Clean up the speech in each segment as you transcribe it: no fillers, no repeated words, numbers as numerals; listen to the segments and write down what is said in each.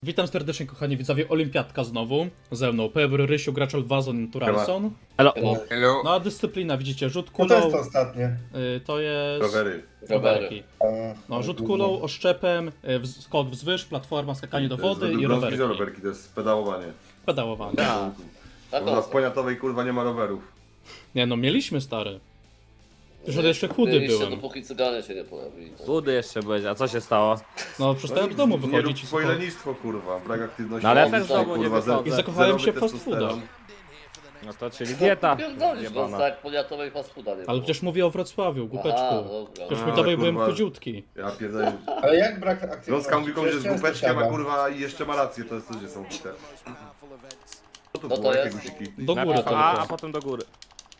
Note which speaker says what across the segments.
Speaker 1: Witam serdecznie, kochani widzowie, Olimpiadka znowu. Ze mną Pewr, Rysiu, Graczol, Wazon, Turalson.
Speaker 2: Hello.
Speaker 3: Hello.
Speaker 1: No a dyscyplina, widzicie, rzut
Speaker 4: No
Speaker 1: kulą,
Speaker 4: to jest to ostatnie.
Speaker 1: to jest...
Speaker 3: Rowery.
Speaker 1: rowerki.
Speaker 4: A,
Speaker 1: No, rzut kulą, oszczepem, skok wzwyż, platforma, skakanie do wody i rowerki.
Speaker 3: Rowerki to jest pedałowanie.
Speaker 1: Pedałowanie.
Speaker 3: U nas w Poniatowej kurwa nie ma rowerów.
Speaker 1: Nie no, mieliśmy stary. Już jeszcze chudy byłem.
Speaker 2: Dopóki cyganie się nie pojawili.
Speaker 5: Chudy jeszcze będzie, a co się stało?
Speaker 1: No, przestałem z domu
Speaker 3: Nie rób
Speaker 1: wychodzić i
Speaker 3: swoje
Speaker 1: słuchaj.
Speaker 3: lenistwo kurwa, brak aktywności.
Speaker 5: No ale ja
Speaker 3: fizycznej,
Speaker 5: też z domu nie
Speaker 3: kurwa,
Speaker 5: wychodzę.
Speaker 1: I zakochałem się w
Speaker 3: zerowy
Speaker 1: fast fooda.
Speaker 3: testosteron.
Speaker 5: No to czyli dieta.
Speaker 2: Pierdolisz go,
Speaker 5: Jebana.
Speaker 2: tak, poniatowej fast fooda nie
Speaker 1: Ale
Speaker 2: było.
Speaker 1: przecież mówię o Wrocławiu, głupeczku.
Speaker 2: dobra.
Speaker 1: Przecież
Speaker 3: A,
Speaker 1: my tobie byłem
Speaker 3: kurwa.
Speaker 1: chudziutki.
Speaker 3: Ja pierdolę.
Speaker 4: Ale jak brak aktywności?
Speaker 3: Gąska mówi komuś, że z
Speaker 4: Przecież
Speaker 3: głupeczkiem, a
Speaker 4: siada.
Speaker 3: kurwa i jeszcze ma rację, to jest ludzie są bite. Co to
Speaker 2: No
Speaker 3: było,
Speaker 2: to
Speaker 3: jakie
Speaker 2: jest.
Speaker 3: guziki?
Speaker 1: Do góry
Speaker 5: Najpierw
Speaker 1: tylko.
Speaker 5: a potem do góry.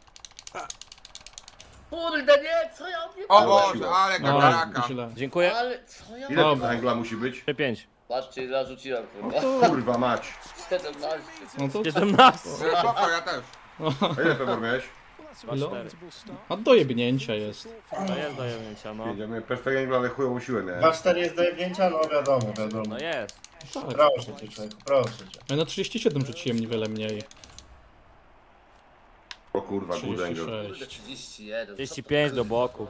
Speaker 2: Kurde, nie, co ja nie
Speaker 3: O
Speaker 2: byłem?
Speaker 3: Boże,
Speaker 6: ale
Speaker 1: No,
Speaker 6: kameraka.
Speaker 1: źle.
Speaker 5: Dziękuję.
Speaker 2: Ale co ja
Speaker 3: Ile
Speaker 1: Dobra.
Speaker 3: węgla musi być?
Speaker 5: 5.
Speaker 2: Patrzcie, ile rzuciłem, kurwa.
Speaker 3: Kurwa mać.
Speaker 2: 17.
Speaker 1: No to...
Speaker 5: 17.
Speaker 6: Spoko, ja też.
Speaker 3: A ile pewor miałeś?
Speaker 1: No, a do jebnięcia jest.
Speaker 5: To jest do jemnięcia, no.
Speaker 3: Ja miałem perfekt węgla, ale chujową siłę miałem.
Speaker 4: 2-4 jest do jebnięcia? No wiadomo, wiadomo.
Speaker 5: No jest.
Speaker 1: Tak.
Speaker 4: Proszę cię, człowieku, proszę cię.
Speaker 1: Ja na 37 rzuciłem niewiele mniej.
Speaker 3: O kurwa, good angle.
Speaker 1: 36.
Speaker 2: 31.
Speaker 5: 35 do boku.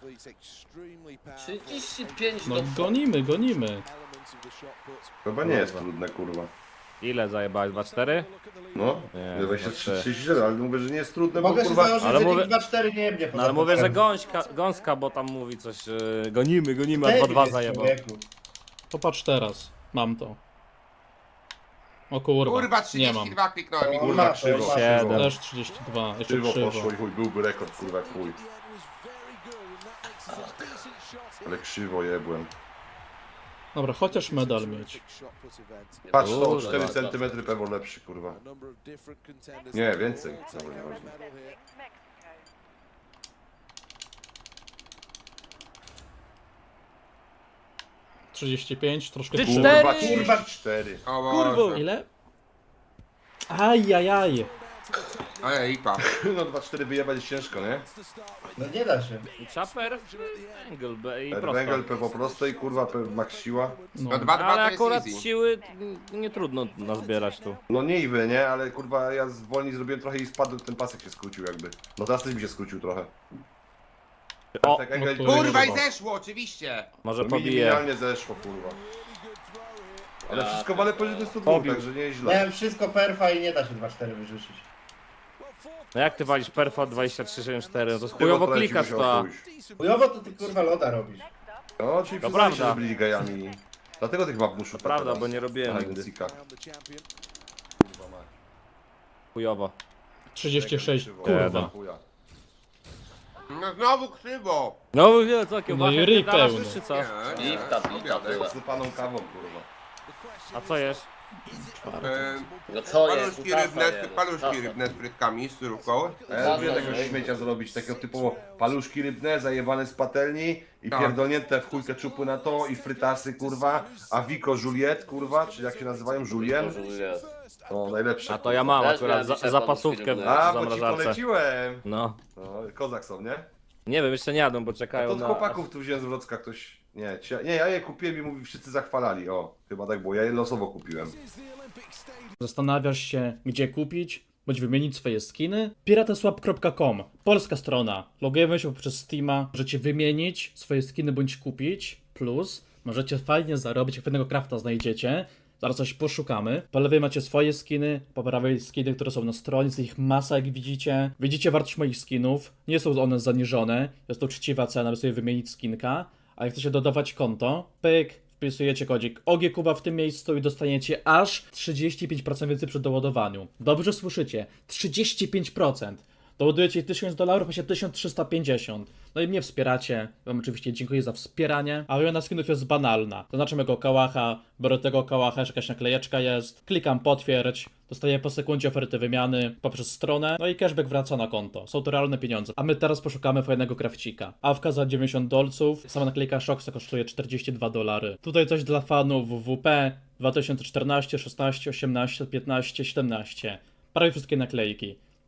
Speaker 2: 35
Speaker 1: No
Speaker 2: do...
Speaker 1: gonimy.
Speaker 3: Chyba nie jest trudne kurwa.
Speaker 5: Ile zajebałeś? 2-4?
Speaker 3: No,
Speaker 5: Nie,
Speaker 3: 23,
Speaker 5: znaczy-
Speaker 3: 37, ale mówię, że nie jest trudne, bo
Speaker 4: Mogę się
Speaker 3: kurwa...
Speaker 4: założyć,
Speaker 5: ale
Speaker 4: że
Speaker 5: mówię-
Speaker 4: nikt 2-4 nie jebnie
Speaker 5: No ale mówię, że gąska, bo tam mówi coś, gonimy, a 2-2 zajebał.
Speaker 1: Popatrz teraz. Mam to. O kurwa,
Speaker 6: Kurwa,
Speaker 1: nie mam.
Speaker 6: 32 kliknąłem i
Speaker 4: O,
Speaker 3: Kurwa,
Speaker 4: masz,
Speaker 3: krzywo,
Speaker 4: masz.
Speaker 3: krzywo.
Speaker 1: Też 32, jeszcze
Speaker 3: Krzywo
Speaker 1: krzywo.
Speaker 3: poszło i chuj, byłby rekord, kurwa, jak chuj. Ale krzywo jebłem.
Speaker 1: Dobra, chociaż medal mieć.
Speaker 3: Patrz, to o
Speaker 5: Kurwa,
Speaker 3: 4
Speaker 5: tak.
Speaker 3: cm pewor lepszy, kurwa. Nie, więcej. Dobra, nieważne.
Speaker 1: — 35, troszkę
Speaker 5: Ty
Speaker 1: kurwa.
Speaker 3: Kurwa,
Speaker 5: Cztery!
Speaker 3: 34.
Speaker 6: O
Speaker 5: Kurwo.
Speaker 6: Boże.
Speaker 1: Ile? Ajajaj.
Speaker 6: Ale lipa.
Speaker 3: No 2-4 wyjebać jest ciężko, nie?
Speaker 4: No nie da się.
Speaker 5: Chaper, węgiel i
Speaker 3: Węgiel
Speaker 5: prosto.
Speaker 3: po prostej, kurwa, max siła.
Speaker 1: No.
Speaker 6: No 2-2
Speaker 5: Ale
Speaker 6: to jest
Speaker 5: akurat
Speaker 6: easy.
Speaker 5: siły nie trudno nazbierać tu.
Speaker 3: No niby, nie? Ale kurwa, ja wolniej zrobiłem trochę i spadł, ten pasek się skrócił jakby. No teraz też mi się skrócił trochę.
Speaker 5: O,
Speaker 3: Tak
Speaker 1: no
Speaker 3: jak
Speaker 1: to-
Speaker 6: Kurwa i zeszło, oczywiście.
Speaker 5: może
Speaker 3: to
Speaker 5: pobije.
Speaker 3: minimalnie zeszło, kurwa. Ale wszystko wale poniżej 102,
Speaker 5: Pobił.
Speaker 3: także nie jest źle.
Speaker 4: Miałem wszystko perfa i nie da się 2-4 wyrzucić.
Speaker 5: No jak ty walisz perfa 2364, no to
Speaker 3: Ty
Speaker 5: chujowo
Speaker 3: potrafisz
Speaker 5: klikasz
Speaker 3: się
Speaker 5: to.
Speaker 3: oswoić.
Speaker 4: Chujowo to ty kurwa loda robisz.
Speaker 3: No, czyli
Speaker 5: To
Speaker 3: przyznali się,
Speaker 5: prawda.
Speaker 3: że byli gejami. Dlatego tych map muszą
Speaker 5: Prawda, bo nie robiłem nigdy. Chujowo.
Speaker 1: 36,
Speaker 3: Krzywo,
Speaker 1: kurwa.
Speaker 3: chuja.
Speaker 6: No znowu krzywo.
Speaker 5: No wiem co,
Speaker 1: No i ryj pełny.
Speaker 5: czy co?
Speaker 6: Nie,
Speaker 2: Lipka,
Speaker 6: obiadek.
Speaker 2: tyle.
Speaker 3: Sypaną kawą, kurwa.
Speaker 5: A co jesz?
Speaker 2: No co jest?
Speaker 6: Paluszki rybne, paluszki rybne z frytkami, z surówką.
Speaker 3: A ja lubię takiego śmiecia zrobić, takiego typowo paluszki rybne, zajebane z patelni i
Speaker 6: Tak.
Speaker 3: pierdolnięte w chuj keczupy na to i frytasy, kurwa, a Vico Juliet, kurwa, czy jak się nazywają, Julien? To najlepsze.
Speaker 5: A to ja mam
Speaker 2: Też
Speaker 5: akurat
Speaker 2: miałem dzisiaj
Speaker 5: zapasówkę w
Speaker 2: paluszki
Speaker 3: A, bo ci
Speaker 5: zamrażarce.
Speaker 3: poleciłem.
Speaker 5: No.
Speaker 3: No, kozak są, nie?
Speaker 5: Nie wiem, jeszcze nie jadą, bo
Speaker 3: To
Speaker 5: czekają
Speaker 3: od
Speaker 5: na...
Speaker 3: chłopaków tu wziąłem z Wrocka ktoś... Nie, ja je kupiłem i mówi, wszyscy zachwalali, o. Chyba tak było, ja je losowo kupiłem.
Speaker 1: Zastanawiasz się, gdzie kupić, bądź wymienić swoje skiny? Pirateswap.com, polska strona. Logujemy się poprzez Steama, możecie wymienić swoje skiny bądź kupić. Plus, możecie fajnie zarobić, jak fajnego crafta znajdziecie. Zaraz coś poszukamy. Po lewej macie swoje skiny, po prawej skiny, które są na stronie, jest ich masa, jak widzicie. Widzicie wartość moich skinów, nie są one zaniżone, jest to uczciwa cena, by sobie wymienić skinka. A jak chcecie dodawać konto, pyk, wpisujecie kodzik OGKuba w tym miejscu i dostaniecie aż 35% więcej przy doładowaniu. Dobrze słyszycie, 35%. Doładujecie $1000, macie 1350. No i mnie wspieracie. Wam oczywiście dziękuję za wspieranie. A wymiana skinów jest banalna. Zaznaczam jego kałacha, biorę tego kałacha, jakaś naklejeczka jest. Klikam potwierdź. Dostaję po sekundzie oferty wymiany poprzez stronę. No i cashback wraca na konto. Są to realne pieniądze. A my teraz poszukamy fajnego krawcika. Awka za $90. Sama naklejka Shoxa kosztuje $42. Tutaj coś dla fanów WWP 2014, 16, 18, 15, 17. Prawie wszystkie naklejki.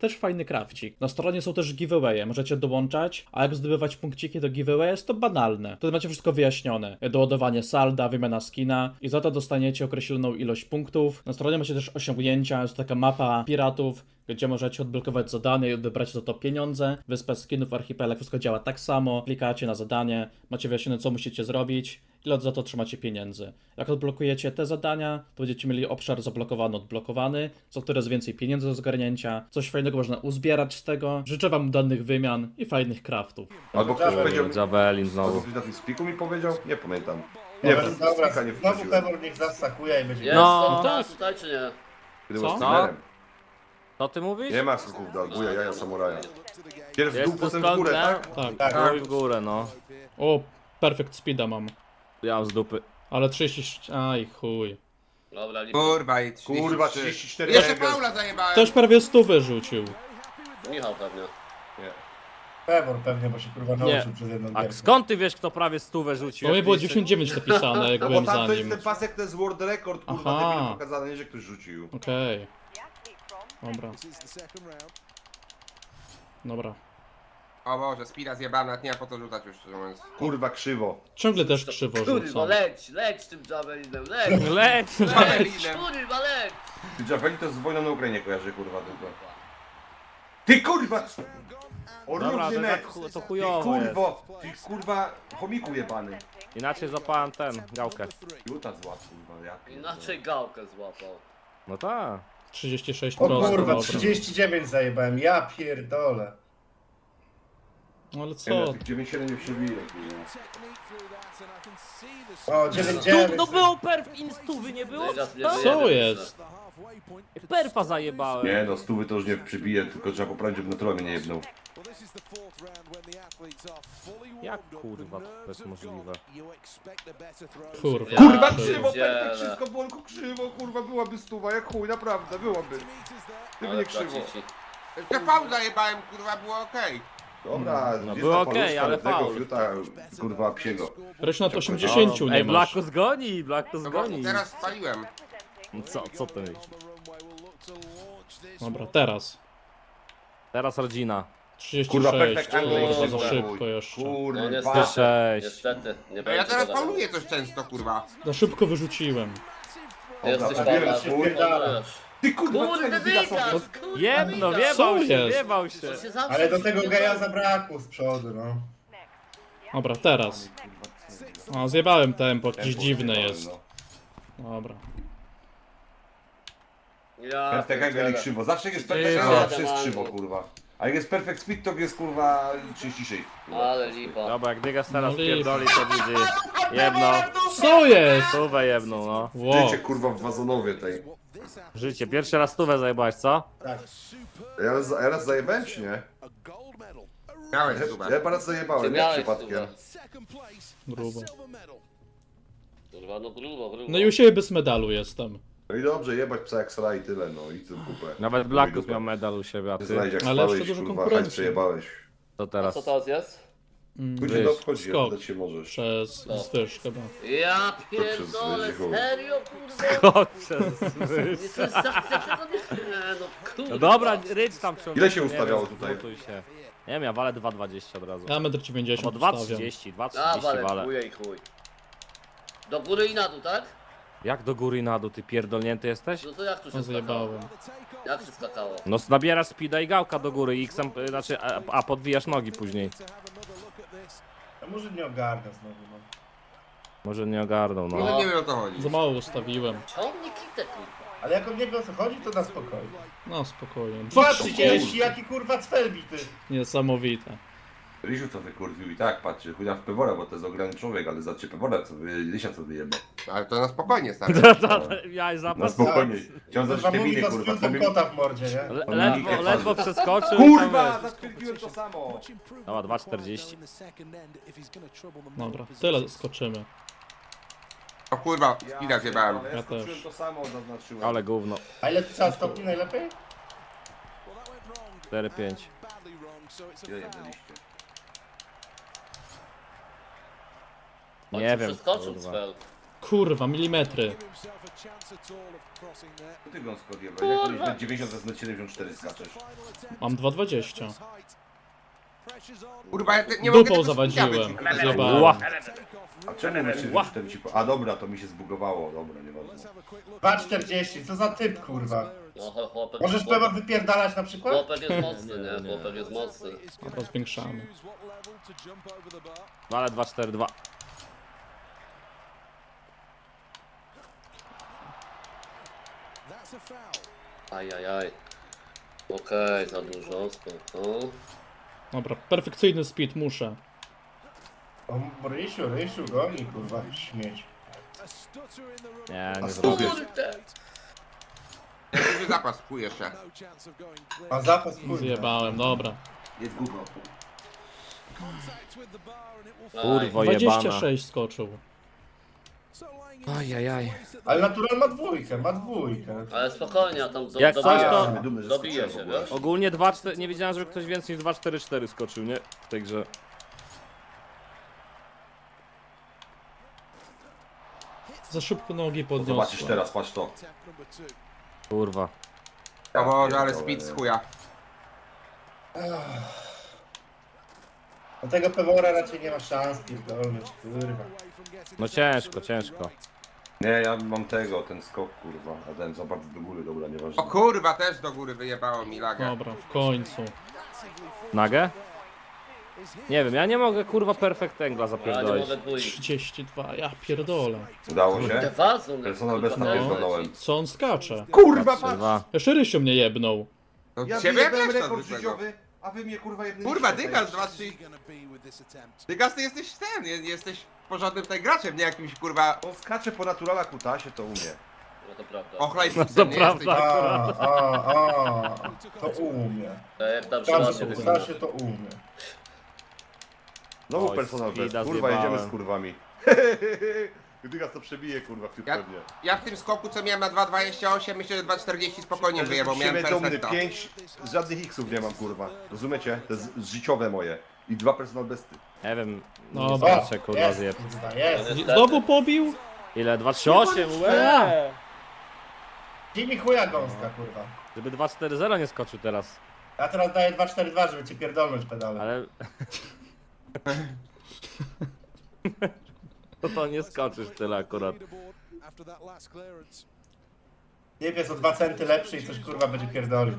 Speaker 1: Też fajny krawcik. Na stronie są też giveawaye, możecie dołączać, a jak zdobywać punkciki do giveaway jest to banalne. Wtedy macie wszystko wyjaśnione. Doładowanie salda, wymiana skina i za to dostaniecie określoną ilość punktów. Na stronie macie też osiągnięcia, jest taka mapa piratów, gdzie możecie odblokować zadanie i odebrać za to pieniądze. Wyspa skinów, archipelag, wszystko działa tak samo. Klikacie na zadanie, macie wyjaśnione co musicie zrobić, ile za to otrzymacie pieniędzy. Jak odblokujecie te zadania, to będziecie mieli obszar zablokowany, odblokowany, co coraz więcej pieniędzy do zgarnięcia. Coś fajnego można uzbierać z tego. Życzę wam udanych wymian i fajnych craftów.
Speaker 3: Albo ktoś powiedział,
Speaker 5: Javelin
Speaker 3: albo
Speaker 5: znowu.
Speaker 3: ktoś na tym spiku mi powiedział? Nie pamiętam. Nie,
Speaker 4: Dobra,
Speaker 3: w
Speaker 4: dobra,
Speaker 3: spika nie
Speaker 4: znowu
Speaker 3: wchodziłem.
Speaker 4: Pebor niech zastakuje i będzie...
Speaker 2: Jest
Speaker 5: No.
Speaker 2: to
Speaker 1: Tak.
Speaker 2: tutaj czy nie?
Speaker 3: Kiedy
Speaker 1: Co?
Speaker 3: był streamerem.
Speaker 5: Co ty mówisz?
Speaker 3: Nie ma skoków do Albuja, jaja samuraja. Pierw w
Speaker 5: Jest
Speaker 3: dół,
Speaker 5: to
Speaker 3: potem w górę,
Speaker 5: skąd,
Speaker 3: tak?
Speaker 1: Tak.
Speaker 4: Tak.
Speaker 5: No i w górę, no.
Speaker 1: O, perfect speeda mam.
Speaker 5: Ja mam z dupy.
Speaker 1: Ale 30... Aj chuj.
Speaker 2: Dobra, lipa.
Speaker 6: Kurwa i 33.
Speaker 3: Kurwa, 34
Speaker 6: Jeszcze
Speaker 3: Eger.
Speaker 6: Paula zajebałem.
Speaker 1: Ktoś prawie 100 wyrzucił.
Speaker 2: Michał pewnie.
Speaker 3: Nie.
Speaker 4: Pebor pewnie, bo się kurwa
Speaker 5: Nie.
Speaker 4: nauczył przez jedną
Speaker 5: A
Speaker 4: gierkę.
Speaker 5: skąd ty wiesz, kto prawie 100 rzucił?
Speaker 1: To mnie
Speaker 5: Jak
Speaker 1: było
Speaker 5: ty jeszcze-
Speaker 1: 99 napisane, jak
Speaker 3: No bo
Speaker 1: byłem
Speaker 3: tam
Speaker 1: za
Speaker 3: to jest
Speaker 1: nim.
Speaker 3: ten pasek, to jest world record, kurwa,
Speaker 1: Aha.
Speaker 3: debilu pokazane, nie, że ktoś rzucił.
Speaker 1: Okej. Dobra. Dobra.
Speaker 6: O Boże, Spira zjebałem, nawet nie ma po to rzucać już, szczerze mówiąc.
Speaker 3: Kurwa, krzywo.
Speaker 1: Ciągle też krzywo
Speaker 2: Kurwa,
Speaker 1: rzucam.
Speaker 2: leć tym Javelinem, leć!
Speaker 5: Leć!
Speaker 6: Javelinem.
Speaker 2: Kurwa, leć!
Speaker 3: Ty Javelin to z wojną na Ukrainie kojarzy, kurwa, tylko. Ty kurwa! O
Speaker 5: Dobra,
Speaker 3: równy
Speaker 5: to,
Speaker 3: net!
Speaker 5: to
Speaker 3: Ty
Speaker 5: chujowo jest.
Speaker 3: kurwo! Ty kurwa, chomiku jebany.
Speaker 5: Inaczej złapałem ten, gałkę.
Speaker 3: Juta zła, kurwa, ja pierdolę.
Speaker 2: Inaczej gałkę złapał.
Speaker 5: No tak.
Speaker 1: 36
Speaker 4: O
Speaker 1: prosto,
Speaker 4: kurwa,
Speaker 1: dobra.
Speaker 4: 39 zajebałem, ja pierdolę.
Speaker 1: No ale
Speaker 3: Nie,
Speaker 1: co?
Speaker 3: no, tych 9-7 nie przebiję, kurwa.
Speaker 4: O, 9-9.
Speaker 5: No było perf instówy, nie było?
Speaker 2: Teraz nie
Speaker 5: Co?
Speaker 2: wyjedę,
Speaker 1: Co jest?
Speaker 5: Perfa zajebałem.
Speaker 3: Nie no, stówy to już nie przybije, tylko trzeba poprawić, żeby naturalnie mnie nie jebnął.
Speaker 5: Jak kurwa to jest możliwe?
Speaker 1: Kurwa.
Speaker 3: Kurwa,
Speaker 1: to-
Speaker 3: krzywo,
Speaker 2: pierdzielę.
Speaker 3: perfekt, wszystko bolku krzywo, kurwa, byłaby stuwa, jak chuj, naprawdę, byłaby. Gdyby
Speaker 2: Ale
Speaker 3: nie krzywo.
Speaker 2: tracici.
Speaker 6: Jeszcze Paul zajebałem, kurwa, było okej.
Speaker 3: Dobra,
Speaker 5: No
Speaker 3: gdzie
Speaker 5: było
Speaker 3: ta
Speaker 5: okej,
Speaker 3: paluszka
Speaker 5: ale
Speaker 3: tego
Speaker 5: faul.
Speaker 3: fiuta, kurwa, psiego.
Speaker 1: Wreszcie nad 80 nie
Speaker 5: Ej,
Speaker 1: masz.
Speaker 5: Blacko zgoni, Blacko
Speaker 6: No bo
Speaker 5: zgoni.
Speaker 6: teraz spaliłem.
Speaker 5: No co ty myślisz?
Speaker 1: Dobra, teraz.
Speaker 5: Teraz rodzina.
Speaker 1: 36.
Speaker 3: Kurwa, perfekt angle,
Speaker 1: Kurwa, za
Speaker 2: kurwa.
Speaker 1: szybko jeszcze.
Speaker 2: No
Speaker 3: Kurwa.
Speaker 2: niestety,
Speaker 5: 6.
Speaker 2: niestety. Nie
Speaker 6: No
Speaker 2: będzie
Speaker 6: ja teraz
Speaker 2: go
Speaker 6: pauluję coś często, kurwa.
Speaker 1: Za szybko wyrzuciłem.
Speaker 2: Ty jesteś
Speaker 3: Dobra,
Speaker 2: Paula,
Speaker 4: się wpierdala.
Speaker 3: Ty kurwa,
Speaker 2: Kurde,
Speaker 3: co
Speaker 2: wygas!
Speaker 3: jest
Speaker 5: Jedno,
Speaker 1: Co
Speaker 5: wjebał się,
Speaker 1: jest?
Speaker 5: wjebał się.
Speaker 2: To się zawsze
Speaker 4: Ale do tego
Speaker 2: przyjdzie.
Speaker 4: geja zabrakło z przodu, no.
Speaker 1: Dobra, teraz. O, zjebałem tempo, jakieś dziwne jest. Dobra.
Speaker 2: Ja
Speaker 3: Perfekt angle i
Speaker 2: pierdzielę.
Speaker 3: krzywo, zawsze jak jest
Speaker 5: Krzywo.
Speaker 3: perfekt angle, zawsze jest krzywo, kurwa. A jak jest perfect speed, to jest kurwa 36. Kurwa.
Speaker 2: Ale lipa.
Speaker 5: Dobra, jak Dygas teraz
Speaker 1: No
Speaker 5: pierdoli, to widzi. Jedno.
Speaker 1: Co jest?
Speaker 5: Stówę jedną, no.
Speaker 1: Wow.
Speaker 3: Życie kurwa w wazonowie tej.
Speaker 5: Życie, pierwszy raz stówę zajebałeś, co?
Speaker 4: Tak.
Speaker 3: Ja raz zajebałem czy nie?
Speaker 6: Miałeś
Speaker 3: Ja
Speaker 6: chyba.
Speaker 3: chyba raz zajebałem,
Speaker 2: Ty
Speaker 3: nie
Speaker 2: miałeś
Speaker 3: przypadkiem.
Speaker 1: Grubo.
Speaker 2: Kurwa, no grubo.
Speaker 1: No i u siebie bez medalu jestem.
Speaker 3: No i dobrze, jebać psa jak sra i tyle, no i co kupę.
Speaker 5: Nawet Blackus miał medal u siebie, a
Speaker 3: Nie
Speaker 5: ty?
Speaker 3: znajdziesz jak
Speaker 1: Ale
Speaker 3: spałeś,
Speaker 1: jeszcze dużo
Speaker 3: kurwa,
Speaker 1: konkurencji.
Speaker 3: hajs przejebałeś.
Speaker 5: To
Speaker 2: A
Speaker 5: teraz.
Speaker 2: co teraz jest?
Speaker 3: Później
Speaker 5: Wyż,
Speaker 3: to obchodzi,
Speaker 1: skok.
Speaker 3: oddać się możesz.
Speaker 1: Przez zwyż chyba.
Speaker 2: Ja
Speaker 3: przez
Speaker 2: pierdolę,
Speaker 3: Jezicho.
Speaker 2: serio, kurwa?
Speaker 5: Kot przez
Speaker 2: Nie, to jest za tego nie... No kurwa.
Speaker 5: No dobra, rycz tam przy
Speaker 3: Ile się ustawiało tutaj?
Speaker 5: Się. Nie wiem, ja walę 2,20 od razu.
Speaker 1: Ja 1,90
Speaker 5: Albo
Speaker 1: m ustawiam.
Speaker 5: 2,30,
Speaker 2: A,
Speaker 5: 2,30
Speaker 2: walę,
Speaker 5: walę.
Speaker 2: chuj i chuj. Do góry i na dół, tak?
Speaker 5: Jak do góry i na dół, ty pierdolnięty jesteś?
Speaker 2: No to jak tu się
Speaker 1: No
Speaker 2: skakało?
Speaker 1: zjebałem.
Speaker 2: Jak się skakało?
Speaker 5: No nabierasz speeda i gałka do góry i znaczy, a podwijasz nogi później.
Speaker 4: A może nie ogarnę znowu, no.
Speaker 5: Może nie ogarnął,
Speaker 6: No
Speaker 5: no.
Speaker 6: nie wiem o co chodzi.
Speaker 1: Za mało ustawiłem.
Speaker 2: Ciągnie kitę, kurwa.
Speaker 4: Ale jak on nie wie o co chodzi, to na spokojnie.
Speaker 1: No spokojnie.
Speaker 4: 2,30, jaki kurwa cfel bity.
Speaker 1: Niesamowite.
Speaker 3: Rysiu co wykurwił i tak, patrzy, chuja w Pewora, bo to jest ograny człowiek, ale zacie Pewora, co Rysia co wyjebał.
Speaker 6: Ale to na spokojnie, stary.
Speaker 5: Ja
Speaker 3: Na
Speaker 5: zapas.
Speaker 3: spokojnie. Chciałem
Speaker 4: Kurwa,
Speaker 3: zacząć
Speaker 4: mówi
Speaker 3: Emilię,
Speaker 4: to z
Speaker 3: kurwa,
Speaker 4: fiutem kota w mordzie, nie?
Speaker 5: Ledwo przeskoczył.
Speaker 3: Kurwa, zatwierdziłem to samo!
Speaker 5: Dobra, 2,40.
Speaker 1: Dobra, tyle skoczymy.
Speaker 6: O kurwa, Spira zjebałem.
Speaker 3: Ja
Speaker 1: Ja
Speaker 3: skoczyłem
Speaker 1: też.
Speaker 3: to samo, zaznaczyłem.
Speaker 5: Ale gówno.
Speaker 4: A ile to trzeba stopni najlepiej?
Speaker 5: 4,5.
Speaker 3: Ile jedliście?
Speaker 5: Nie wiem.
Speaker 2: Przeskoczył
Speaker 5: kurwa.
Speaker 2: spell.
Speaker 1: Kurwa, milimetry.
Speaker 3: Ty Gąsko odjebałeś, jak to jest na 90 to jest na 74 skaczesz.
Speaker 1: Mam 2,20.
Speaker 6: Kurwa, ja nie mogę
Speaker 1: Dupą
Speaker 6: tego
Speaker 1: zawadziłem.
Speaker 6: spina
Speaker 1: Zjebałem.
Speaker 5: Ła.
Speaker 3: A czemu na 74 ci po... A dobra, to mi się zbugowało, dobra, nieważne.
Speaker 4: 2,40, co za typ, kurwa.
Speaker 2: No chłopek,
Speaker 4: Możesz Pema wypierdalać na przykład?
Speaker 2: chłopek jest mocny, nie? Chłopek jest mocny.
Speaker 1: Dobra, zwiększamy.
Speaker 5: No ale 2-4-2.
Speaker 2: Ajajaj. Okej, za dużo, spoko.
Speaker 1: Dobra, perfekcyjny speed, muszę.
Speaker 4: O, Rysiu, goni, kurwa, śmieć.
Speaker 5: Nie,
Speaker 3: A
Speaker 5: nie
Speaker 3: stół
Speaker 5: zrobię.
Speaker 3: wiesz.
Speaker 6: Duży zapas, chuj jeszcze.
Speaker 4: Ma zapas, kurwa.
Speaker 1: Zjebałem, dobra.
Speaker 3: Jest gówno.
Speaker 5: Kurwo jebana.
Speaker 1: 26 skoczył.
Speaker 5: Ajajaj.
Speaker 4: Ale Natural ma dwójkę.
Speaker 2: Ale spokojnie, a tam
Speaker 5: Jak coś,
Speaker 2: dobija
Speaker 5: to-
Speaker 2: się.
Speaker 3: Jestem dumny, że
Speaker 2: Dobije
Speaker 3: skoczyłem
Speaker 2: się,
Speaker 3: w ogóle.
Speaker 2: wiesz?
Speaker 5: Ogólnie 2-4... Nie wiedziałem, żeby ktoś więcej niż 2-4-4 skoczył, nie? W tej grze.
Speaker 1: Za szybko nogi
Speaker 3: Zobaczysz
Speaker 1: podniosłem.
Speaker 3: teraz, patrz to.
Speaker 5: Kurwa.
Speaker 6: O Boże, ale
Speaker 3: pierdolę,
Speaker 6: speed z
Speaker 3: nie.
Speaker 6: chuja.
Speaker 4: Do tego Pewora raczej nie ma szans pierdolnąć, kurwa.
Speaker 5: No ciężko, ciężko.
Speaker 3: Nie, ja mam tego, ten skok kurwa, a ten za bardzo do góry, dobra, nieważne.
Speaker 6: O kurwa, też do góry wyjebało mi lagę.
Speaker 1: Dobra, w końcu.
Speaker 5: Nagę? Nie wiem, ja nie mogę kurwa perfect angla
Speaker 2: Ja nie
Speaker 5: zapierdolić.
Speaker 2: mogę dwójki.
Speaker 1: 32, ja pierdolę.
Speaker 3: Udało
Speaker 2: Te
Speaker 3: się?
Speaker 2: wazon,
Speaker 3: Personal best
Speaker 2: kurwa,
Speaker 3: napierdolałem.
Speaker 1: Co on skacze?
Speaker 3: Kurwa,
Speaker 5: Dwa.
Speaker 1: Jeszcze Rysiu mnie jebnął.
Speaker 6: No
Speaker 3: Ja
Speaker 6: ciebie
Speaker 3: wyjebałem
Speaker 6: też to
Speaker 3: rekord
Speaker 6: zwykłego.
Speaker 3: życiowy, a wy mnie kurwa jednym
Speaker 6: Kurwa, Dygas 2-3. Dygas, ty jesteś ten, jesteś porządnym tutaj graczem, nie jakimś kurwa
Speaker 3: On skacze po naturala kutasie, to umie.
Speaker 2: No to prawda.
Speaker 6: ochlejpusem, nie
Speaker 5: prawda.
Speaker 6: jesteś.
Speaker 4: To umie.
Speaker 2: To jak tam się
Speaker 4: Każdy
Speaker 2: ładnie
Speaker 4: po
Speaker 2: wygląda.
Speaker 4: Stasie to umie.
Speaker 3: Znowu
Speaker 5: Oj,
Speaker 3: personal best,
Speaker 5: speeda
Speaker 3: kurwa,
Speaker 5: zjebałem.
Speaker 3: jedziemy z kurwami. Dygas to przebije kurwa w
Speaker 6: Ja,
Speaker 3: pewnie.
Speaker 6: ja w tym skoku, co miałem na 2,28, myślę, że 2,40 spokojnie wyjebał, miałem
Speaker 3: Siebie dumny,
Speaker 6: perfekta.
Speaker 3: 5, żadnych xów nie mam kurwa. Rozumiecie? To jest życiowe moje. I 2 personal besty.
Speaker 5: Nie wiem,
Speaker 1: No,
Speaker 5: nie
Speaker 1: o,
Speaker 5: zobaczę kurwa
Speaker 4: jest,
Speaker 5: zjeb.
Speaker 4: kurwa, jest.
Speaker 1: Znowu pobił?
Speaker 5: Ile? 2-3-8? Łe!
Speaker 4: Daj mi chuja gąska, kurwa.
Speaker 5: Żeby 2-4-0 nie skoczył teraz.
Speaker 4: Ja teraz daję 2,42, żeby cię pierdolnąć pedale.
Speaker 5: Ale... To nie skoczysz tyle akurat.
Speaker 4: Nieb jest o 2 centy lepszy i coś kurwa będzie pierdolił.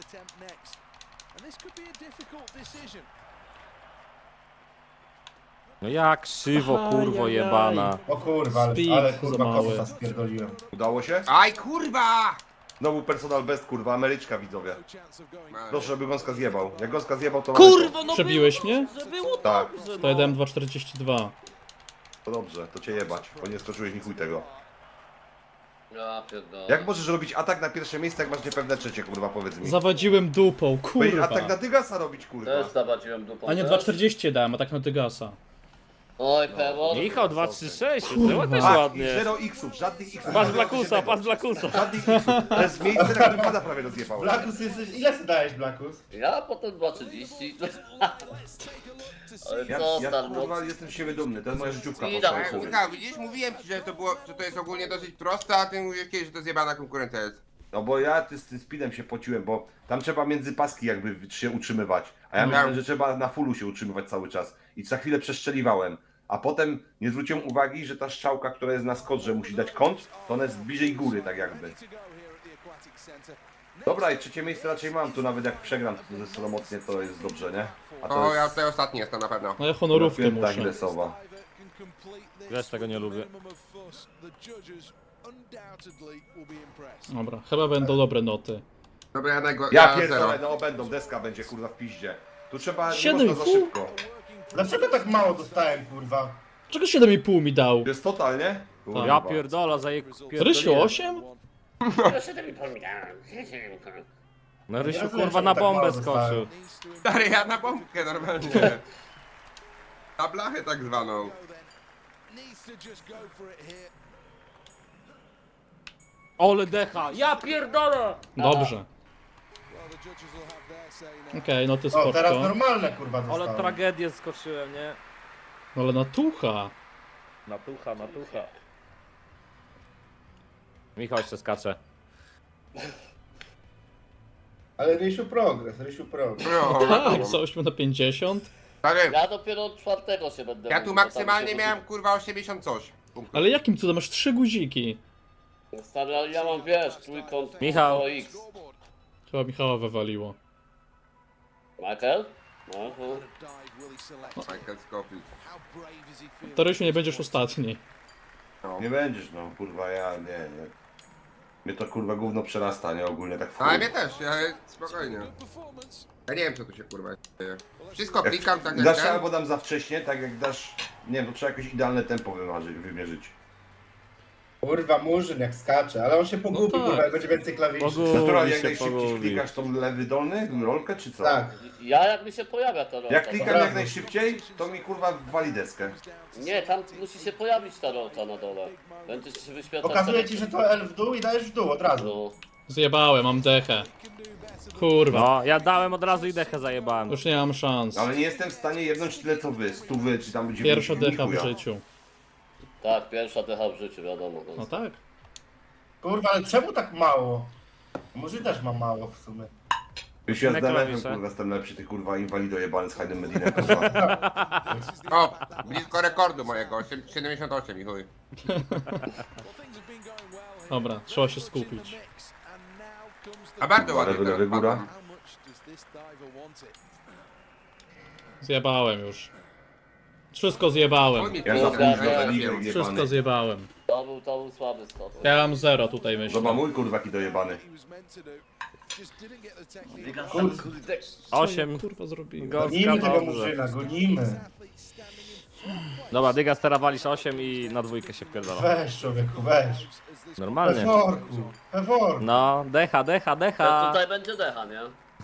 Speaker 5: No jak krzywo kurwo
Speaker 1: Ajajaj.
Speaker 5: jebana.
Speaker 4: O kurwa,
Speaker 1: Speed
Speaker 4: ale
Speaker 1: za
Speaker 4: kurwa
Speaker 1: mały.
Speaker 4: kota spierdoliłem.
Speaker 3: Udało się?
Speaker 6: Aj kurwa!
Speaker 3: Znowu personal best kurwa, Ameryczka widzowie. Proszę, żeby Gąska zjebał. Jak Gąska zjebał, to
Speaker 5: Kurwo no
Speaker 1: Przebiłeś mnie?
Speaker 5: że było
Speaker 3: Tak,
Speaker 1: To ja dałem 2,42.
Speaker 3: to dobrze, to cię jebać, bo nie skoczyłeś ni chuj tego.
Speaker 2: Ja pierdolę.
Speaker 3: Jak możesz robić atak na pierwsze miejsce, jak masz niepewne trzecie, kurwa, powiedz mi?
Speaker 1: Zawadziłem dupą,
Speaker 3: Powiedz,
Speaker 1: kurwa.
Speaker 3: atak na Dygasa robić, kurwa.
Speaker 2: Też zabadziłem dupą.
Speaker 1: A nie,
Speaker 2: też.
Speaker 1: 2,40 dałem, a tak na Dygasa.
Speaker 2: Oj, Pewor.
Speaker 5: Michał 2-3-6,
Speaker 1: Kurwa.
Speaker 5: było też
Speaker 3: Tak, i
Speaker 5: ładnie.
Speaker 3: 0 xów, żadnych xów.
Speaker 5: Patrz Blackusa, patrz Blackusa.
Speaker 3: Żadnych xów. To jest miejsce, na którym pada prawie rozjebał.
Speaker 4: Blackus jesteś... Ile ty dajesz, Blackus?
Speaker 2: Ja potem 2,30. Ale
Speaker 3: Ja,
Speaker 2: co,
Speaker 3: ja
Speaker 2: star,
Speaker 3: kurwa jestem z siebie dumny, to jest moja życiówka.
Speaker 2: Widać.
Speaker 3: poszła w chuj.
Speaker 6: Michał, widzisz, mówiłem ci, że to było, że to jest ogólnie dosyć proste, a ty mówisz kiedyś, że to zjebana konkurencja jest.
Speaker 3: No bo ja z tym speedem się pociłem, bo tam trzeba między paski jakby się utrzymywać. A ja myślałem, że trzeba na fullu się utrzymywać cały czas. I za chwilę przestrzeliwałem. A potem nie zwróciłem uwagi, że ta strzałka, która jest na skodrze, musi dać kąt, to ona jest bliżej góry tak jakby. Dobra, i trzecie miejsce raczej mam, tu nawet jak przegram ze sromotnie, to jest dobrze, nie? A to
Speaker 6: O, ja
Speaker 3: jest
Speaker 6: tutaj ostatni jestem na pewno.
Speaker 1: No ja honorówkę
Speaker 3: pięta
Speaker 1: muszę.
Speaker 3: Achillesowa.
Speaker 5: Wiesz, tego nie lubię.
Speaker 1: Dobra, chyba będą dobre noty.
Speaker 6: Dobra,
Speaker 3: Ja
Speaker 6: zero.
Speaker 3: pierdolę, no będą, deska będzie kurwa w piździe. Tu trzeba, nie
Speaker 1: 7,5?
Speaker 3: można za szybko.
Speaker 4: Dlaczego tak mało dostałem, kurwa?
Speaker 1: Czego 7,5 mi dał?
Speaker 3: To jest totalnie? Kurwa.
Speaker 5: Ja pierdola za je
Speaker 1: Rysiu 8?
Speaker 5: No Rysiu
Speaker 4: Ja
Speaker 5: kurwa
Speaker 4: wiem,
Speaker 5: na
Speaker 4: że tak mało
Speaker 5: bombę
Speaker 4: dostałem.
Speaker 5: skoczył.
Speaker 6: Stary, ja na bombkę normalnie. Na blachę tak zwaną.
Speaker 5: Ole decha, ja pierdolę!
Speaker 1: Dobrze. Okej, noty
Speaker 4: O, teraz
Speaker 1: spoczko.
Speaker 4: normalne, kurwa,
Speaker 5: Ale
Speaker 4: dostałem.
Speaker 5: tragedię skoczyłem, nie?
Speaker 1: Ale na tucha.
Speaker 5: Na tucha, na tucha. Michał jeszcze skacze.
Speaker 4: Ale Rysiu progres.
Speaker 6: No,
Speaker 1: Tak, z 8 na 50.
Speaker 6: stary,
Speaker 2: Ja dopiero od 4 się będę...
Speaker 6: ja tu
Speaker 2: mówił, bo tam
Speaker 6: maksymalnie
Speaker 2: się
Speaker 6: miałem kurwa 80 coś. punktów.
Speaker 1: Ale jakim cudem masz 3 guziki?
Speaker 2: Stary, ale ja mam, wiesz, trójkąt
Speaker 5: Michał.
Speaker 2: X.
Speaker 1: Chyba Michała wywaliło.
Speaker 2: Michael? No, no.
Speaker 6: Michael Scofield.
Speaker 1: To Rysiu nie będziesz ostatni.
Speaker 3: Nie będziesz, no kurwa, ja nie. Mnie to kurwa gówno przerasta, nie? Ogólnie tak w
Speaker 6: No, ale
Speaker 3: chuj.
Speaker 6: mnie też, ja spokojnie. Ja nie wiem co tu się kurwa dzieje. Wszystko
Speaker 3: Jak
Speaker 6: klikam tak jak
Speaker 3: dasz
Speaker 6: ten.
Speaker 3: albo dam za wcześnie, tak jak dasz... Nie wiem, to trzeba jakieś idealne tempo wymierzyć.
Speaker 4: Kurwa, Murzyn jak skacze, ale on się pogubi,
Speaker 1: tak.
Speaker 4: kurwa, jak będzie więcej klawiszy.
Speaker 3: Naturalnie, jak
Speaker 5: się
Speaker 3: najszybciej
Speaker 5: pogubi.
Speaker 3: klikasz tą lewy dolny, rolkę, czy co?
Speaker 4: Tak.
Speaker 2: Ja jak mi się pojawia to rolka.
Speaker 3: Jak klikam
Speaker 4: Dobra.
Speaker 3: jak najszybciej, to mi kurwa wali deskę.
Speaker 2: Nie, tam musi się pojawić ta rolka na dole. Będzie ci się wyświetlać.
Speaker 4: Pokazuje ci, że to L w dół i dajesz w dół od razu.
Speaker 2: No.
Speaker 1: Zjebałem, mam dechę. Kurwa,
Speaker 5: No, ja dałem od razu i dechę zajebałem.
Speaker 1: już nie mam szans.
Speaker 3: Ale nie jestem w stanie jednąć tyle co wy, 100 czy tam będzie
Speaker 1: Pierwsza
Speaker 3: więcej,
Speaker 1: decha w
Speaker 3: chuja.
Speaker 1: życiu.
Speaker 2: Tak, pierwsza decha w życiu, wiadomo.
Speaker 1: No tak.
Speaker 4: Kurwa, ale czemu tak mało? Murzyn też ma mało w sumie.
Speaker 3: Już ja z
Speaker 5: Na
Speaker 3: DNF-em
Speaker 5: klawisze.
Speaker 3: kurwa jestem lepszy, ty kurwa inwalido jebany z Hajdem Medinem kurwa.
Speaker 6: O, blisko rekordu mojego, 78 i chuj.
Speaker 1: Dobra, trzeba się skupić.
Speaker 6: A bardzo ładnie
Speaker 3: Lewy,
Speaker 6: teraz
Speaker 3: lewy, góra.
Speaker 6: padam.
Speaker 1: Zjebałem już. Wszystko zjebałem.
Speaker 6: Chuj mi
Speaker 3: Ja
Speaker 6: tu
Speaker 3: za
Speaker 2: Dobra,
Speaker 3: późno za
Speaker 2: dobra.
Speaker 3: ligę
Speaker 1: Wszystko
Speaker 3: jebany.
Speaker 1: zjebałem.
Speaker 2: To był słaby stop.
Speaker 1: Ja mam 0 tutaj myślę.
Speaker 3: Zobacz mój kurwa jaki dojebany.
Speaker 2: Kurde.
Speaker 5: 8.
Speaker 1: Kurwa zrobiłem.
Speaker 5: Gąska
Speaker 4: Gonimy tego
Speaker 5: dobrze.
Speaker 4: Murzyna, gonimy.
Speaker 5: Dobra, Dyga walisz 8 i na dwójkę się wpierdala.
Speaker 4: Weź człowieku, weź.
Speaker 5: Normalnie.
Speaker 4: Peworku, peworku.
Speaker 5: No, decha, decha,
Speaker 2: To
Speaker 5: decha.
Speaker 2: tutaj będzie decha, nie?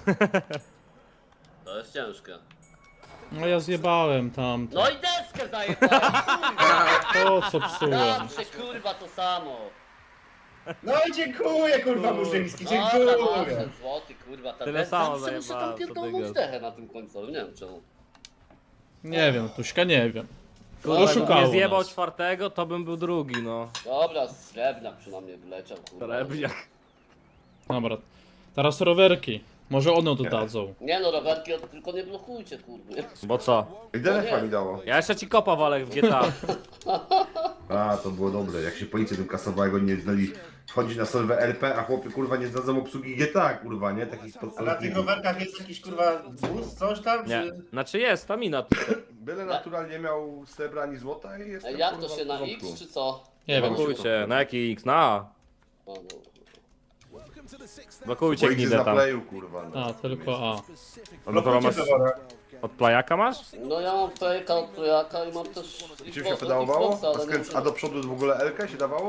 Speaker 2: To jest ciężkie.
Speaker 1: No ja zjebałem tam.
Speaker 2: No i deskę zajebałem, kurwa!
Speaker 1: Po co psułem?
Speaker 2: Zawsze kurwa to samo.
Speaker 4: No i dziękuję, kurwa Murzyński,
Speaker 2: O, tam
Speaker 4: dziękuję.
Speaker 2: 8 złoty, kurwa, ta
Speaker 5: Tyle
Speaker 2: bez
Speaker 5: samo
Speaker 2: zawsze muszę
Speaker 5: zajebałem,
Speaker 2: tam
Speaker 5: co
Speaker 2: pierdolnąć
Speaker 5: ty
Speaker 2: dechę na tym końcu, nie wiem czemu.
Speaker 1: Nie wiem, Tuśka nie wiem.
Speaker 5: Kurwa, jakbym
Speaker 1: Oszukało
Speaker 5: nie zjebał
Speaker 1: nas.
Speaker 5: czwartego, to bym był drugi, no.
Speaker 2: Dobra, srebrna przynajmniej wyleciał, kurwa.
Speaker 5: Srebrniak.
Speaker 1: Dobra. Teraz rowerki. Może one dodadzą.
Speaker 2: Nie no, rowerki tylko nie blokujcie, kurwa.
Speaker 5: Bo co?
Speaker 3: I DNF-a mi dało.
Speaker 5: Ja jeszcze ci kopa walę w GTA.
Speaker 3: A, to było dobre. Jak się policja tym kasowała, jak oni nie znali wchodzić na solwę RP, a chłopy kurwa nie zdadzą obsługi GTA, kurwa, nie? Takich
Speaker 4: A na tych
Speaker 3: podstawownych.
Speaker 4: rowerkach jest jakiś kurwa wóz, coś tam,
Speaker 5: Nie.
Speaker 4: czy...
Speaker 5: Znaczy jest, stamina.
Speaker 3: Byle naturalnie miał srebra ani złota i jest.
Speaker 2: Jak to się na X czy co?
Speaker 1: Nie wiem.
Speaker 5: Blokujcie. Na jaki X? Na.
Speaker 2: No, no.
Speaker 5: Blokujcie
Speaker 3: Policja
Speaker 5: gnidę
Speaker 3: na
Speaker 5: tam.
Speaker 3: playu, kurwa. No.
Speaker 1: A, tylko A.
Speaker 5: No to masz...
Speaker 4: Pewora.
Speaker 5: Od plajaka masz?
Speaker 2: No ja mam fejka od Plejaka i mam też...
Speaker 3: Czym się
Speaker 2: Xbox-
Speaker 3: pedałowało?
Speaker 2: Xboxa, ale nie
Speaker 3: A do przodu w ogóle L-kę się dawało?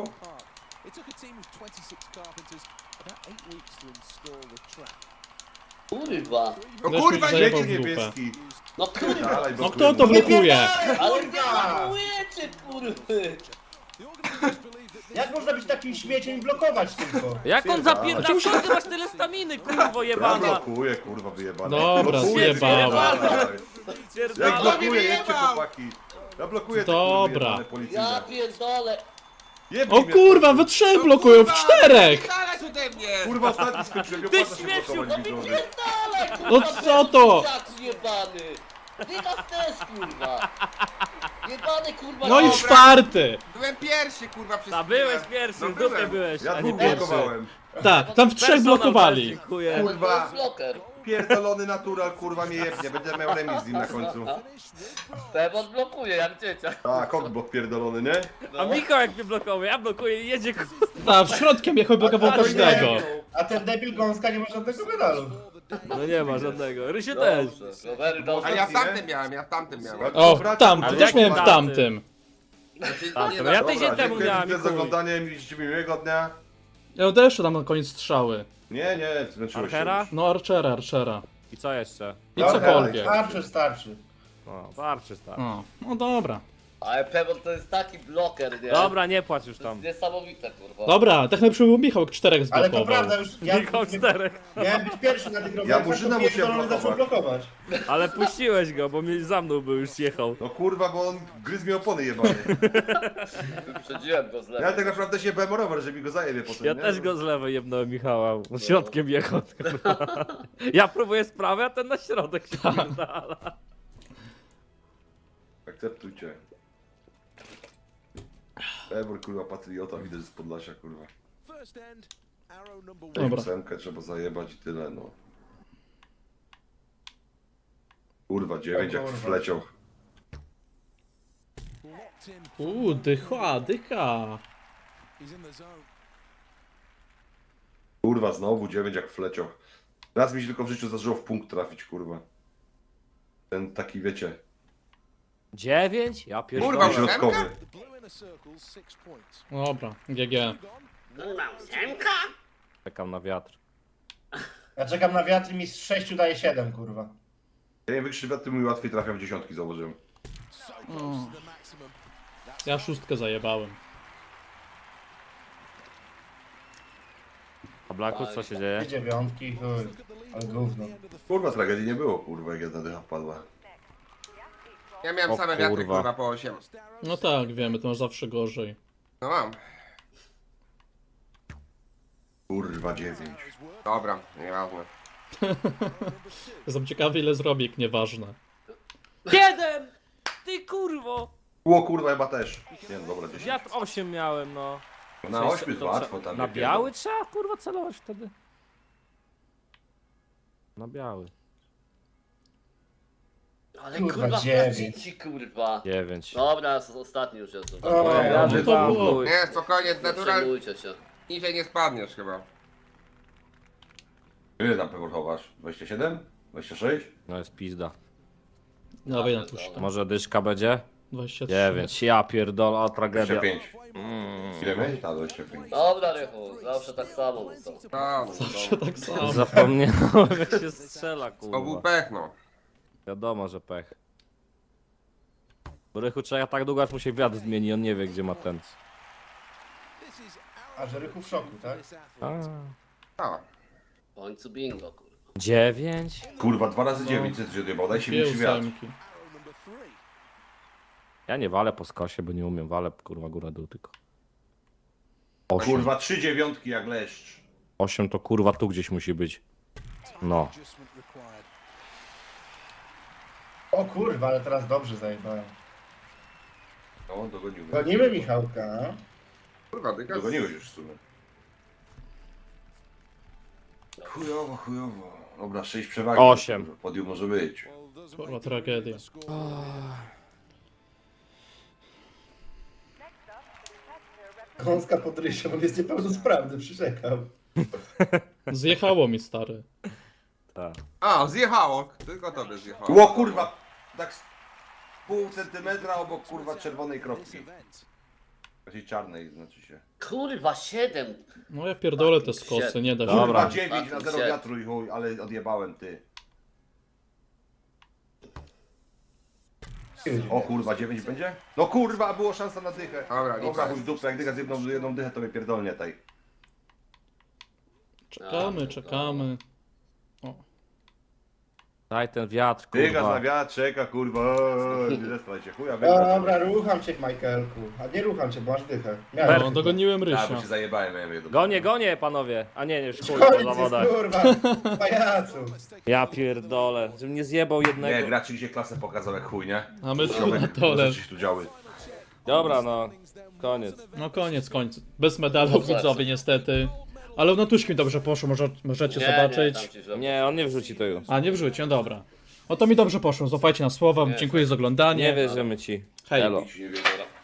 Speaker 2: Kurwa.
Speaker 6: No
Speaker 1: Weź
Speaker 6: kurwa,
Speaker 1: mi
Speaker 6: nie!
Speaker 1: zajebał
Speaker 3: Śmieci
Speaker 1: w dupę.
Speaker 3: niebieski.
Speaker 2: No kurwa.
Speaker 3: Dalej,
Speaker 1: No
Speaker 3: blokujemy.
Speaker 1: kto to blokuje?
Speaker 2: Ale nie blokujecie, kurwy.
Speaker 4: Jak można być takim śmieciem i blokować tylko?
Speaker 5: Jak on zapierdala? Skąd ty masz tyle staminy, kurwo
Speaker 3: Ja
Speaker 5: jebana?
Speaker 3: blokuję, kurwa, wyjebane.
Speaker 1: Dobra,
Speaker 3: Blokuję,
Speaker 1: zjebałem.
Speaker 3: wyjebane. Jak
Speaker 5: Pierdala.
Speaker 3: blokuję, jedźcie
Speaker 6: wyjebał.
Speaker 3: chłopaki. Ja blokuję te
Speaker 1: Dobra.
Speaker 3: kurwy jebane
Speaker 2: Ja
Speaker 3: policyjne.
Speaker 2: pierdolę.
Speaker 3: Jebnij
Speaker 1: O
Speaker 3: mnie,
Speaker 1: kurwa, we trzech blokują, w czterech!
Speaker 6: Dalej ode mnie!
Speaker 3: Kurwa, ostatni skończyłem, nie
Speaker 5: Ty
Speaker 3: opłaca się
Speaker 5: śmieciu,
Speaker 3: blokować
Speaker 2: No mi
Speaker 3: widzowie.
Speaker 2: pierdolę, kurwa.
Speaker 1: No co to?
Speaker 2: Jak jebany. Dygas też, kurwa. Jebany, kurwa.
Speaker 1: No i
Speaker 2: dobra.
Speaker 1: czwarty!
Speaker 6: Byłem pierwszy kurwa przez
Speaker 5: A
Speaker 6: chwilę.
Speaker 5: byłeś pierwszy,
Speaker 6: No
Speaker 5: w dupie
Speaker 6: byłem.
Speaker 5: byłeś,
Speaker 3: Ja
Speaker 5: a nie
Speaker 3: dwóch
Speaker 5: pierwszy.
Speaker 3: blokowałem.
Speaker 1: Tak, tam w trzech
Speaker 5: Personal
Speaker 1: blokowali.
Speaker 5: też, dziękuję.
Speaker 2: To
Speaker 3: Kurwa.
Speaker 2: jest bloker.
Speaker 3: Pierdolony natural, kurwa mnie jebnie. Będę miał remis z nim na końcu.
Speaker 2: Pewon blokuje, jak dzieciak.
Speaker 3: A, kokblok pierdolony, nie?
Speaker 5: A Michał jak mnie blokował, ja blokuję i jedzie
Speaker 1: A, w środkiem jechał blokował każdego.
Speaker 4: A ten debil gąska nie ma żadnego medalu.
Speaker 5: No nie ma żadnego. Rysiu też.
Speaker 2: Dobrze, Rowery, dobrze.
Speaker 6: A ja w tamtym miałem, ja w tamtym miałem.
Speaker 1: O, tam,
Speaker 5: Ale
Speaker 1: też
Speaker 5: jak
Speaker 1: miałem w
Speaker 5: tamty?
Speaker 1: tamtym.
Speaker 6: Znaczy,
Speaker 5: Tak,
Speaker 6: nie,
Speaker 5: to
Speaker 6: no,
Speaker 5: ja
Speaker 6: dobra.
Speaker 5: tydzień temu
Speaker 3: dziękuję
Speaker 5: miałem i
Speaker 3: za
Speaker 5: chuj.
Speaker 3: oglądanie, mieliście miłego dnia.
Speaker 1: Ja odeszłem tam na koniec strzały.
Speaker 3: Nie, zmęczyłeś się
Speaker 5: Archera?
Speaker 3: już.
Speaker 1: No, Archera.
Speaker 5: I co jeszcze?
Speaker 1: I
Speaker 4: Dobra,
Speaker 1: cokolwiek.
Speaker 4: Starczy, starczy.
Speaker 5: No, starczy, starczy.
Speaker 1: No dobra.
Speaker 2: Ale Pebble to jest taki bloker, nie?
Speaker 5: Dobra, nie płacz już
Speaker 2: To
Speaker 5: tam.
Speaker 2: jest niesamowite, kurwa.
Speaker 1: Dobra, tak najlepszy był Michał, 4
Speaker 4: Ale
Speaker 1: zblokował.
Speaker 4: to prawda, już ja
Speaker 5: Michał 4.
Speaker 4: miałem być pierwszy na tych rowerach,
Speaker 3: Murzyna
Speaker 4: to
Speaker 3: musiałem
Speaker 4: pierdolony zaczął blokować.
Speaker 5: Ale puściłeś go, bo za mną był, już jechał.
Speaker 3: No kurwa, bo on gryzł mi opony jebane.
Speaker 2: Wyprzedziłem go z
Speaker 3: Ja
Speaker 2: lewej.
Speaker 3: tak naprawdę się bałem o rower, że mi go zajebie potem,
Speaker 5: Ja
Speaker 3: nie?
Speaker 5: też go z lewej jebnąłem Michała, środkiem jechał. kurwa. Ja próbuję z prawej, a ten na środek się pierdala.
Speaker 3: Akceptujcie. Ebor, kurwa, patriota, widać z Podlasia, kurwa.
Speaker 1: Dobra.
Speaker 3: Ósemkę trzeba zajebać i tyle, no. Kurwa, 9 jak
Speaker 4: kurwa.
Speaker 3: wleciał.
Speaker 1: Dycha.
Speaker 3: Kurwa, znowu 9 jak wleciał. Raz mi się tylko w życiu zdarzyło w punkt trafić, kurwa. Ten taki, wiecie,
Speaker 5: 9? Ja
Speaker 6: Kurwa,
Speaker 5: pierdolę.
Speaker 3: środkowy.
Speaker 1: Dobra, GG.
Speaker 5: Czekam na wiatr.
Speaker 4: Ja czekam na wiatr i mi z 6 daje 7, kurwa.
Speaker 3: Ja im wykrzywiam, tym mi łatwiej trafiam w dziesiątki, zauważyłem.
Speaker 1: Ja 6 zajebałem.
Speaker 5: A Blackus, co się dzieje?
Speaker 4: Dwie dziewiątki, chuj. Ale gówno.
Speaker 3: Kurwa, tragedii nie było, kurwa, jak jedna dycha wpadła.
Speaker 6: Ja miałem
Speaker 5: O
Speaker 6: same wiatry,
Speaker 5: kurwa.
Speaker 6: kurwa, po 8.
Speaker 1: No tak, wiemy, to masz zawsze gorzej.
Speaker 6: No mam.
Speaker 3: Kurwa, 9.
Speaker 6: Dobra, nieważne.
Speaker 1: Jestem ciekawy, ile zrobię, jak nieważne.
Speaker 5: 7! Ty kurwo!
Speaker 3: Ło, kurwa, chyba też. Nie, no dobra, 10.
Speaker 5: Wiatr 8 miałem, no.
Speaker 3: Na 8 jest
Speaker 5: To
Speaker 3: łatwo
Speaker 5: trze-
Speaker 3: tam.
Speaker 5: Na
Speaker 3: nie
Speaker 5: biały trzeba kurwa celować wtedy. Na biały.
Speaker 2: Ale
Speaker 4: Kurwa,
Speaker 2: kurwa,
Speaker 4: 9.
Speaker 2: ci kurwa.
Speaker 5: 9.
Speaker 2: Dobra, ostatni już jest.
Speaker 4: O,
Speaker 5: Ja
Speaker 1: no to było.
Speaker 5: chuj.
Speaker 6: Nie, spokojnie,
Speaker 2: Nie
Speaker 6: natural
Speaker 2: przejmujcie się.
Speaker 6: niżej nie spadniesz chyba.
Speaker 3: Ile tam pewor chowasz? 27? 26?
Speaker 5: No jest pizda.
Speaker 1: Dawaj na tuszkę.
Speaker 5: Może dyszka będzie?
Speaker 1: 23.
Speaker 5: 9. Ja pierdolę, a tragedia.
Speaker 3: 25. Ile miałeś? Tak, 25.
Speaker 2: Dobra, Rychu, zawsze tak samo są.
Speaker 6: No,
Speaker 1: Zawsze tak samo.
Speaker 5: Zapomniałem jak się strzela
Speaker 6: to był
Speaker 5: kurwa.
Speaker 6: pech, no.
Speaker 5: Wiadomo, że pech. Bo Rychu trzeba tak długo aż mu się wiatr zmieni, on nie wie gdzie ma ten.
Speaker 4: A że Rychu w szoku, tak?
Speaker 6: A,
Speaker 2: W końcu bingo, kurwa.
Speaker 5: 9?
Speaker 3: Kurwa, 2 razy 9 jest odjebał, daj się mi wiatr.
Speaker 1: 8.
Speaker 5: Ja nie walę po skosie, bo nie umiem. Walę kurwa góra dół tylko. 8.
Speaker 3: Kurwa, 3 dziewiątki jak leszcz.
Speaker 5: 8 to kurwa tu gdzieś musi być. No.
Speaker 4: O kurwa, ale teraz dobrze zajebałem.
Speaker 3: No, dogoniłeś.
Speaker 4: Gonimy Michałka.
Speaker 6: kurwa, dygas.
Speaker 3: Dogoniłeś już w sumie. Chujowo, chujowo. Dobra, 6 przewagi.
Speaker 5: 8.
Speaker 3: Podium może być.
Speaker 1: Kurwa, tragedia.
Speaker 4: Gąska pod rysią, on jest niepełnosprawny, przyrzekam.
Speaker 1: Zjechało mi, stary.
Speaker 5: Tak.
Speaker 6: A, zjechało. Tylko tobie zjechało.
Speaker 3: Ło, kurwa! Tak z pół centymetra obok, kurwa, czerwonej kropki. Takiej czarnej, znaczy się.
Speaker 2: Kurwa, 7.
Speaker 1: No ja pierdolę te skosy, nie da się.
Speaker 5: Dobra.
Speaker 3: Kurwa, 9 na 0
Speaker 2: Fucking
Speaker 3: wiatru i chuj, ale odjebałem, ty. O kurwa, 9 będzie? No kurwa, było szansa na dychę.
Speaker 6: Dobra,
Speaker 3: Dobra,
Speaker 6: nic.
Speaker 3: chuj w dupę, jak dycha z jedną dychę, to mnie pierdolnie tej.
Speaker 1: Czekamy, czekamy. O.
Speaker 5: Daj ten wiatr
Speaker 3: Dycha
Speaker 5: kurwa.
Speaker 3: na wiatr, czeka, kurwa, nie zestraj się, chuja, wygrać.
Speaker 4: Dobra, rucham cię, Michaelku. A nie rucham cię, bo masz dychę. Miałem.
Speaker 1: No, dogoniłem
Speaker 3: Tak,
Speaker 1: Rysia.
Speaker 3: bo się zajebałem, miałem jedno.
Speaker 5: Gonie panowie. A nie, już chuj po
Speaker 4: Koniec
Speaker 5: zawodach.
Speaker 4: jest, kurwa, pajacu.
Speaker 5: Ja pierdolę. Żebym nie zjebał
Speaker 3: Nie,
Speaker 5: jednego.
Speaker 3: gracz dzisiaj klasę pokazał jak chuj, nie?
Speaker 1: A my tu
Speaker 3: Ziomek,
Speaker 1: na dole.
Speaker 3: rzeczy się tu działy.
Speaker 5: Dobra no. Koniec.
Speaker 1: No koniec. Bez medalu widzowie niestety. Ale na tuszki mi dobrze poszło, możecie zobaczyć.
Speaker 2: tam ci źle.
Speaker 5: Nie, on nie wrzuci to już.
Speaker 1: A nie wrzuci, no dobra. No to mi dobrze poszło, zaufajcie na słowa, dziękuję za oglądanie.
Speaker 5: Nie wierzymy ci.
Speaker 1: Hej.
Speaker 5: Elo.
Speaker 3: Nic nie wiedział.